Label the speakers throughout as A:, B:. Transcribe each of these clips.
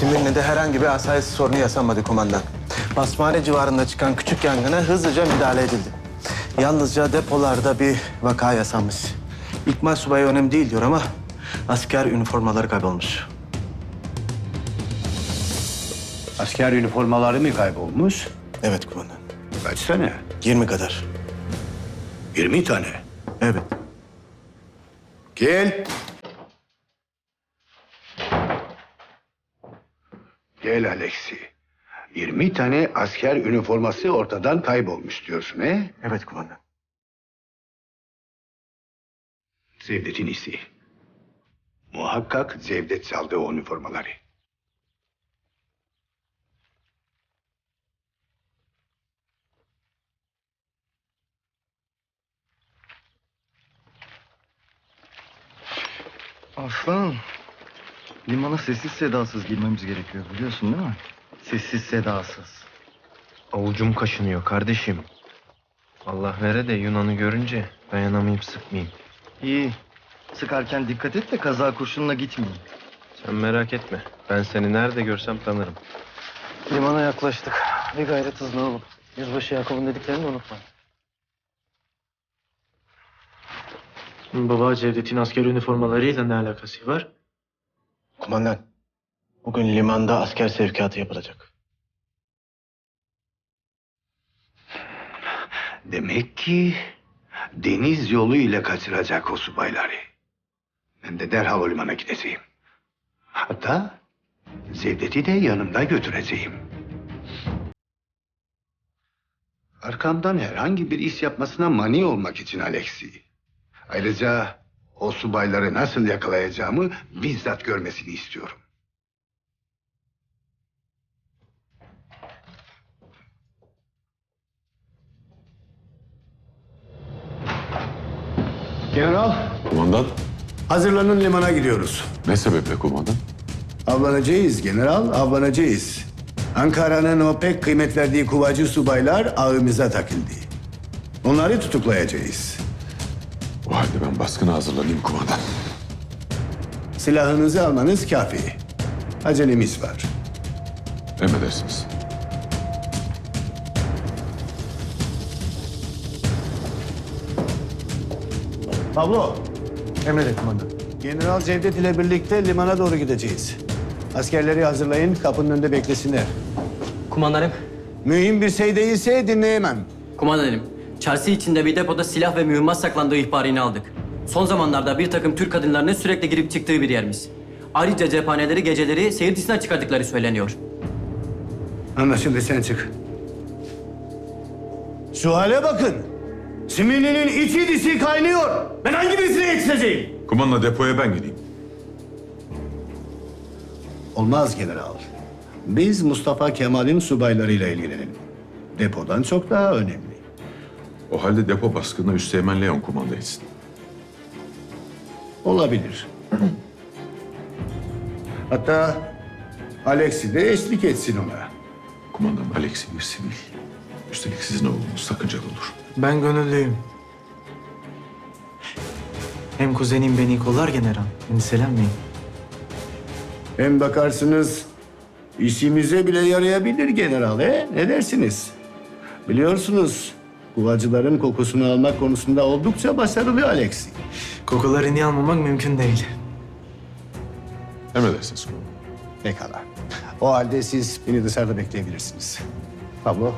A: Simirli'de herhangi bir asayiş sorunu yaşanmadı kumandan. Basmane civarında çıkan küçük yangına hızlıca müdahale edildi. Yalnızca depolarda bir vaka yaşanmış. İkmal subayı önemli değil diyor ama asker üniformaları kaybolmuş.
B: Asker üniformaları mı kaybolmuş?
A: Evet kumandan.
B: Kaç tane?
A: 20 kadar.
B: 20 tane.
A: Evet.
B: Gel. Gel Alexi. 20 tane asker üniforması ortadan kaybolmuş diyorsun he?
A: Evet kumandan.
B: Cevdet'in işi. Muhakkak Cevdet çaldı o üniformaları.
C: Aslan, limana sessiz sedasız girmemiz gerekiyor biliyorsun değil mi? Sessiz sedasız.
D: Avucum kaşınıyor kardeşim. Allah vere de Yunan'ı görünce dayanamayıp sıkmayayım.
C: İyi. Sıkarken dikkat et de kaza kurşunla gitmeyin.
D: Sen merak etme. Ben seni nerede görsem tanırım.
A: Limana yaklaştık. Bir gayret hızlanalım. Yüzbaşı Yakup'un dediklerini unutma.
E: Baba, Cevdet'in asker üniformalarıyla ne alakası var?
A: Kumandan, bugün limanda asker sevkiyatı yapılacak.
B: Demek ki deniz yolu ile kaçıracak o subayları. Ben de derhal o limana gideceğim. Hatta Cevdet'i de yanımda götüreceğim. Arkamdan herhangi bir iş yapmasına mani olmak için Alexi. Ayrıca o subayları nasıl yakalayacağımı bizzat görmesini istiyorum. General,
F: Kumandan,
B: hazırlanın limana gidiyoruz.
F: ne sebeple kumandan?
B: Avlanacağız general, avlanacağız. Ankara'nın o pek kıymet verdiği kuvacı subaylar ağımıza takıldı. Onları tutuklayacağız.
F: O halde ben baskına hazırlanayım kumandan.
B: Silahınızı almanız kafi. Acelemiz var.
F: Emredersiniz.
B: Pablo,
A: Emredin kumandan.
B: General Cevdet ile birlikte limana doğru gideceğiz. Askerleri hazırlayın, kapının önünde beklesinler.
G: Kumandanım,
B: Mühim bir şey değilse dinleyemem.
G: kumandanım. Chelsea içinde bir depoda silah ve mühimmat saklandığı ihbarını aldık. Son zamanlarda bir takım Türk kadınlarının sürekli girip çıktığı bir yermiş. Ayrıca cephaneleri geceleri seyir dışına çıkardıkları söyleniyor.
B: Anlaşıldı, sen çık. Şu hale bakın. Simirli'nin içi dişi kaynıyor. Ben hangi birisine yetişeceğim?
F: Kumandanla depoya ben gideyim.
B: Olmaz general. Biz Mustafa Kemal'in subaylarıyla ilgilenelim. Depodan çok daha önemli.
F: O halde depo baskınına Üsteğmen Leon kumanda etsin.
B: Olabilir. Hatta Alexi de eşlik etsin ona.
F: Kumandan Alexi bir sivil. Üstelik sizin oğlunuz sakıncalı olur.
E: Ben gönüllüyüm. Hem kuzenim beni kollar general. Endişelenmeyin.
B: Hem bakarsınız işimize bile yarayabilir general, he? Ne dersiniz? Biliyorsunuz kuvacıların kokusunu almak konusunda oldukça başarılı Alexi.
E: Kokularını almamak mümkün değil.
F: Emredersiniz kumandan.
B: Pekala. O halde siz beni dışarıda bekleyebilirsiniz. Pablo.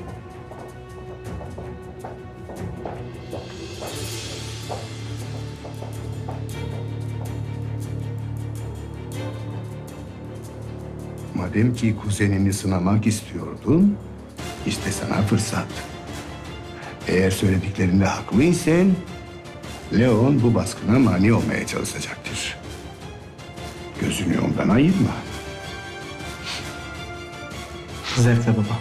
B: Madem ki kuzenini sınamak istiyordun, işte sana fırsat. Eğer söylediklerinde haklıysan, Leon bu baskına mani olmaya çalışacaktır. Gözünü ondan ayırma.
E: Zevkle baba.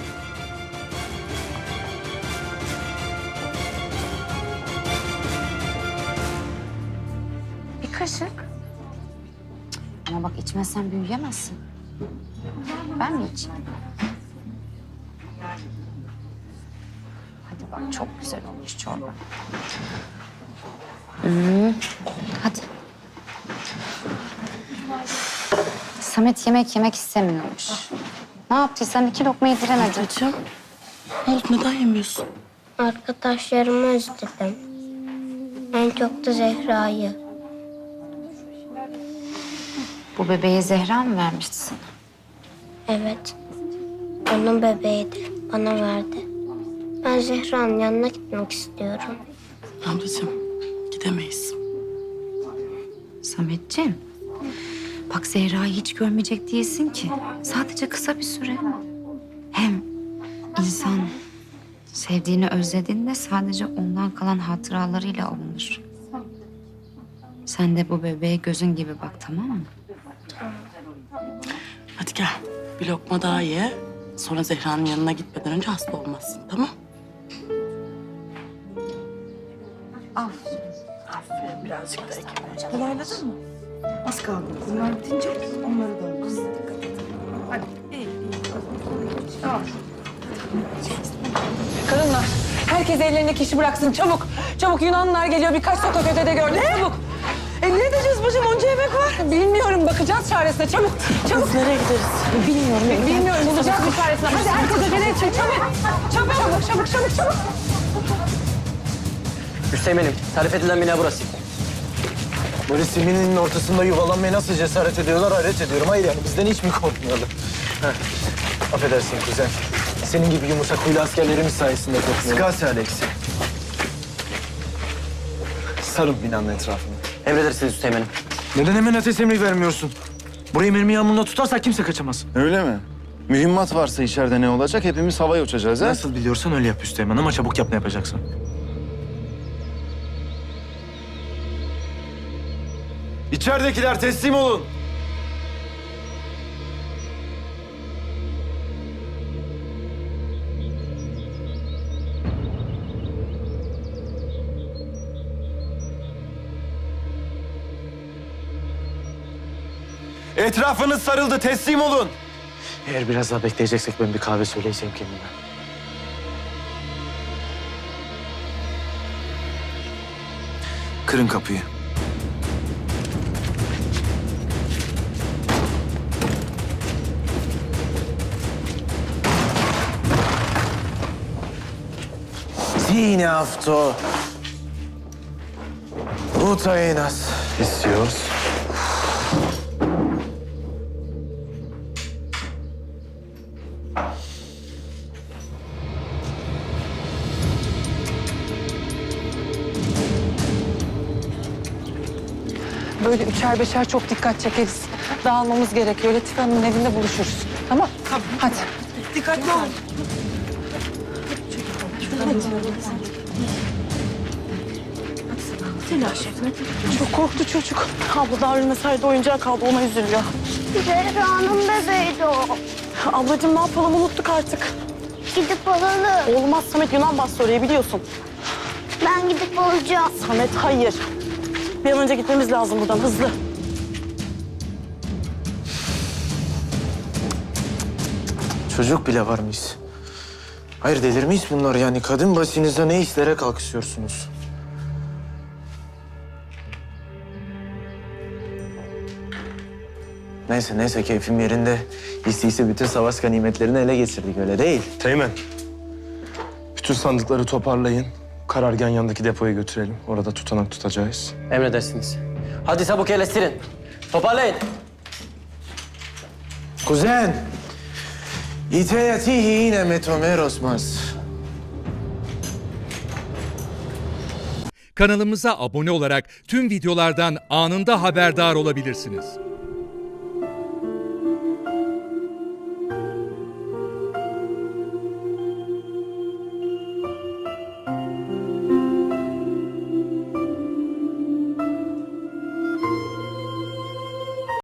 H: Bir kaşık. Ama bak içmezsen büyüyemezsin. Ben mi içeyim? Hadi bak çok güzel olmuş çorba. Hadi. Samet yemek yemek istemiyormuş. Ne yaptıysan 2 lokma yediremedin.
I: Ablacığım, ne oldu? Neden yemiyorsun?
J: Arkadaşlarımı özledim. En çok da Zehra'yı.
H: Bu bebeği Zehra mı vermişti sana?
J: Evet. Onun bebeğiydi. Bana verdi. Ben Zehra'nın yanına gitmek istiyorum.
I: Ablacığım, gidemeyiz.
H: Sametciğim, bak Zehra'yı hiç görmeyecek değilsin ki. Sadece kısa bir süre. Hem insan sevdiğini özlediğinde sadece ondan kalan hatıralarıyla avunur. Sen de bu bebeğe gözün gibi bak, tamam mı?
I: Hadi gel, bir lokma daha ye. Sonra Zehra'nın yanına gitmeden önce hasta olmazsın, tamam? Aferin, birazcık da ekmeğe. Kolayladın mı? Az kaldı. Bunlar bitince onları da alırız. Hadi, iyi. Tamam.
K: Kadınlar, herkes ellerindeki işi bıraksın çabuk. Çabuk, Yunanlılar geliyor, birkaç sokak ötede gördüm. Çabuk.
I: Ne edeceğiz bacım? Onca yemek var.
K: Bilmiyorum, bakacağız çaresine. Çabuk, çabuk.
I: Biz nereye gideriz?
K: Bilmiyorum, bulacağız bir çaresine. Hadi herkes acele etsin, çabuk. Çabuk.
G: Hüseyin'im, tarif edilen bina burası.
A: Böyle siminin ortasında yuvalanmaya nasıl cesaret ediyorlar hayret ediyorum. Hayır yani bizden hiç mi korkmuyorlar? Heh. Affedersin kuzen. Senin gibi yumuşak huylu askerlerimiz sayesinde korkmuyorum. Skase Alexi. Sarın binanın etrafını.
G: Emredersiniz Hüseyin'im.
E: Neden hemen ateş emri vermiyorsun? Burayı mermi yağmuruna tutarsak kimse kaçamaz.
C: Öyle mi? Mühimmat varsa içeride ne olacak? Hepimiz havaya uçacağız ha?
E: Nasıl biliyorsan öyle yap Üsteğmen ama çabuk yap ne yapacaksın.
A: İçeridekiler teslim olun. Etrafınız sarıldı, teslim olun.
E: Eğer biraz daha bekleyeceksek ben bir kahve söyleyeceğim kendime.
A: Kırın kapıyı. Zine afto. Tutaj nas. İstiyoruz.
K: Böyle üçer beşer çok dikkat çekeriz. Dağılmamız gerekiyor. Latife Hanım'ın evinde buluşuruz. Tamam? Hadi.
I: Dikkatli ol.
K: Çok korktu çocuk. Abla davranmasaydı oyuncağı kaldı, ona üzülüyor.
J: Zehra'nın bebeğiydi o.
K: Ablacığım ne yapalım, unuttuk artık.
J: Gidip alalım.
K: Olmaz Samet, Yunan bastı oraya biliyorsun.
J: Ben gidip alacağım.
K: Samet hayır. Bir an önce gitmemiz lazım buradan, hızlı.
A: Çocuk bile var mıyız? Hayır delirmeyiz bunlar yani. Kadın başınıza ne işlere kalkışıyorsunuz? Neyse keyfim yerinde. İstiyse bütün savaş ganimetlerini ele geçirdik öyle değil.
L: Teğmen. Bütün sandıkları toparlayın. Karargahın yanındaki depoya götürelim. Orada tutanak tutacağız.
G: Emredersiniz. Hadi çabuk eleştirin. Toparlayın.
A: Kuzen. İteyatihi yine metomeros mas.
M: Kanalımıza abone olarak tüm videolardan anında haberdar olabilirsiniz.